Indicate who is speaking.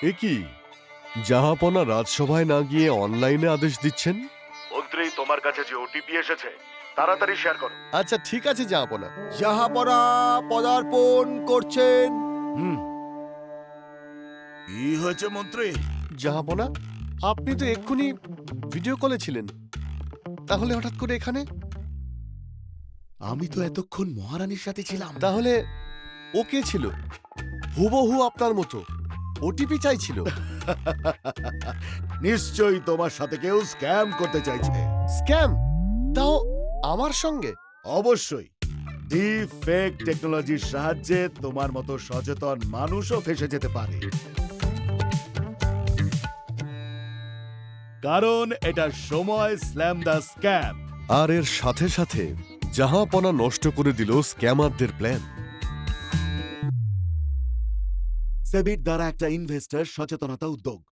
Speaker 1: এ কি জাহাপনা রাজসভায় না গিয়ে অনলাইনে আদেশ দিচ্ছেন?
Speaker 2: মন্ত্রী, তোমার কাছে যে ওটিপি এসেছে তাড়াতাড়ি শেয়ার করো।
Speaker 1: আচ্ছা ঠিক আছে জাহাপনা।
Speaker 3: জাহাপনা পদার্পণ করছেন।
Speaker 2: কি হয়েছে মন্ত্রী?
Speaker 1: জাহাপনা, আপনি তো এক্ষুনি ভিডিও কলে ছিলেন, তাহলে হঠাৎ করে এখানে?
Speaker 3: আমি তো এতক্ষণ মহারানীর সাথে ছিলাম।
Speaker 1: তাহলে ও কে ছিল? হুবহু আপনার মতো ওটিপি চাইছিল।
Speaker 3: নিশ্চয়ই তোমার সাথে কেউ স্ক্যাম করতে চাইছে।
Speaker 1: স্ক্যাম? তাও আমার সঙ্গে?
Speaker 3: অবশ্যই। ডিপ ফেক টেকনোলজির সাহায্যে তোমার মতো সচেতন মানুষও ফেসে যেতে পারে, কারণ এটা সময় স্ল্যাম দ্য স্ক্যাম।
Speaker 1: আর এর সাথে সাথে জাহাপনা নষ্ট করে দিল স্ক্যামারদের প্ল্যান।
Speaker 3: সেবির দ্বারা একটা ইনভেস্টর সচেতনতা উদ্যোগ।